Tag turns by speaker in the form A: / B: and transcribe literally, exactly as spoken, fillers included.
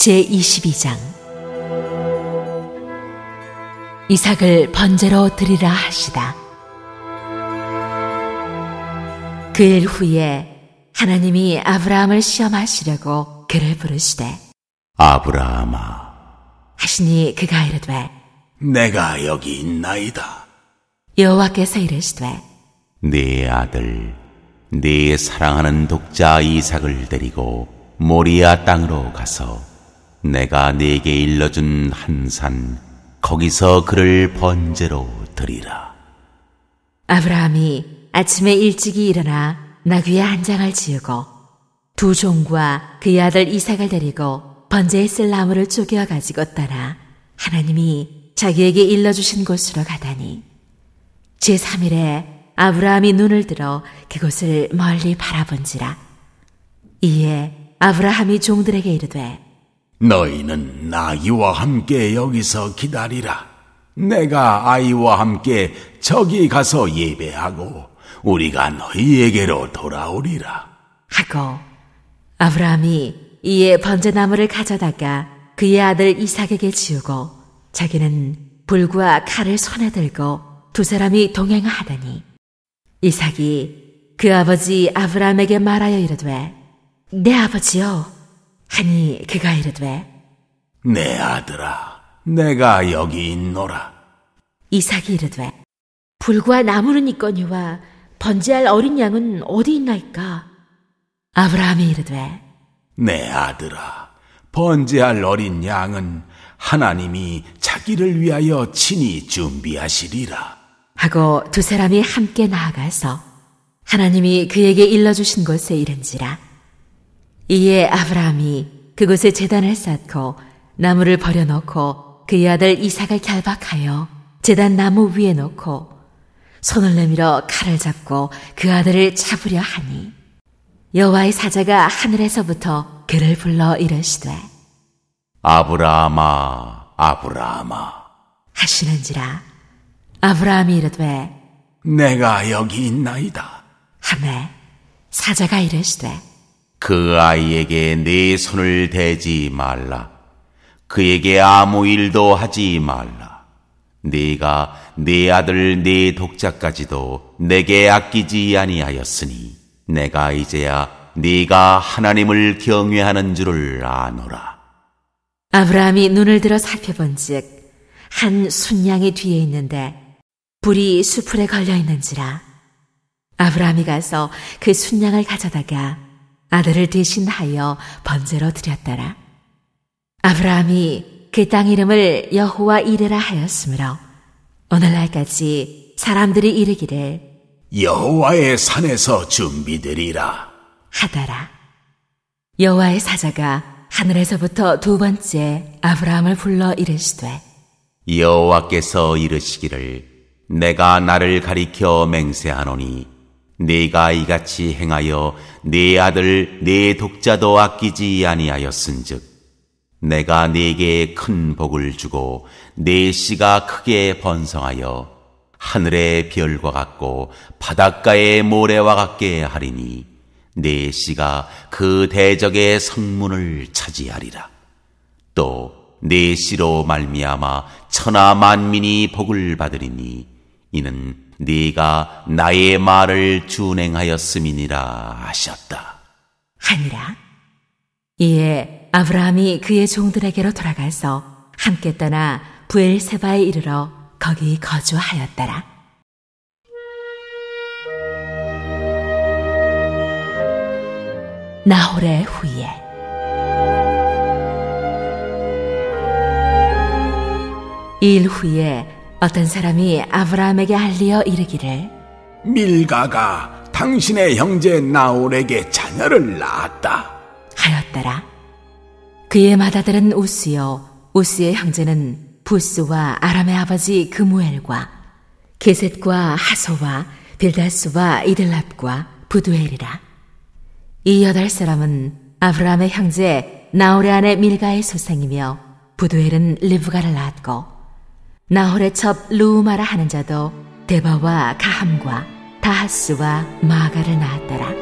A: 제이십이 장. 이삭을 번제로 드리라 하시다. 그 일 후에 하나님이 아브라함을 시험하시려고 그를 부르시되
B: 아브라함아
A: 하시니 그가 이르되
B: 내가 여기 있나이다.
A: 여호와께서 이르시되
B: 네 아들 네 사랑하는 독자 이삭을 데리고 모리아 땅으로 가서 내가 네게 일러준 한 산 거기서 그를 번제로 드리라.
A: 아브라함이 아침에 일찍이 일어나 나귀의 한 장을 지우고 두 종과 그의 아들 이삭을 데리고 번제에 쓸 나무를 쪼개어 가지고 떠나 하나님이 자기에게 일러주신 곳으로 가다니 제삼 일에 아브라함이 눈을 들어 그곳을 멀리 바라본지라. 이에 아브라함이 종들에게 이르되
B: 너희는 나귀와 함께 여기서 기다리라. 내가 아이와 함께 저기 가서 예배하고 우리가 너희에게로 돌아오리라
A: 하고 아브라함이 이에 번제나무를 가져다가 그의 아들 이삭에게 지우고 자기는 불과 칼을 손에 들고 두 사람이 동행하더니 이삭이 그 아버지 아브라함에게 말하여 이르되 내 아버지여 하니 그가 이르되
B: 내 아들아 내가 여기 있노라.
A: 이삭이 이르되 불과 나무는 있거니와 번제할 어린 양은 어디 있나이까? 아브라함이 이르되
B: 내 아들아 번제할 어린 양은 하나님이 자기를 위하여 친히 준비하시리라
A: 하고 두 사람이 함께 나아가서 하나님이 그에게 일러주신 곳에 이른지라. 이에 아브라함이 그곳에 제단을 쌓고 나무를 버려놓고 그의 아들 이삭을 결박하여 제단 나무 위에 놓고 손을 내밀어 칼을 잡고 그 아들을 잡으려 하니 여호와의 사자가 하늘에서부터 그를 불러 이르시되
B: 아브라함아 아브라함아
A: 하시는지라. 아브라함이 이르되
B: 내가 여기 있나이다
A: 하매 사자가 이르시되
B: 그 아이에게 네 손을 대지 말라. 그에게 아무 일도 하지 말라. 네가 네 아들 네 독자까지도 내게 아끼지 아니하였으니 내가 이제야 네가 하나님을 경외하는 줄을 아노라.
A: 아브라함이 눈을 들어 살펴본즉 한 순양이 뒤에 있는데 불이 수풀에 걸려 있는지라. 아브라함이 가서 그 순양을 가져다가 아들을 대신하여 번제로 드렸더라. 아브라함이 그 땅 이름을 여호와 이레라 하였으므로 오늘날까지 사람들이 이르기를
B: 여호와의 산에서 준비되리라
A: 하더라. 여호와의 사자가 하늘에서부터 두 번째 아브라함을 불러 이르시되
B: 여호와께서 이르시기를 내가 나를 가리켜 맹세하노니 네가 이같이 행하여 네 아들 네 독자도 아끼지 아니하였은즉 내가 네게 큰 복을 주고 네 씨가 크게 번성하여 하늘의 별과 같고 바닷가의 모래와 같게 하리니 네 씨가 그 대적의 성문을 차지하리라. 또 네 씨로 말미암아 천하 만민이 복을 받으리니 이는 네가 나의 말을 준행하였음이니라 하셨다
A: 하니라. 이에 아브라함이 그의 종들에게로 돌아가서 함께 떠나 브엘세바에 이르러 거기 거주하였더라. 나홀의 후예. 이 일 후에 어떤 사람이 아브라함에게 알리어 이르기를
B: 밀가가 당신의 형제 나홀에게 자녀를 낳았다
A: 하였더라. 그의 맏아들은 우스요 우스의 형제는 부스와 아람의 아버지 그무엘과 게셋과 하소와 빌다스와 이들랍과 부두엘이라. 이 여덟 사람은 아브라함의 형제 나홀의 아내 밀가의 소생이며 부두엘은 리브가를 낳았고 나홀의 첩 루우마라 하는 자도 데바와 가함과 다하스와 마가를 낳았더라.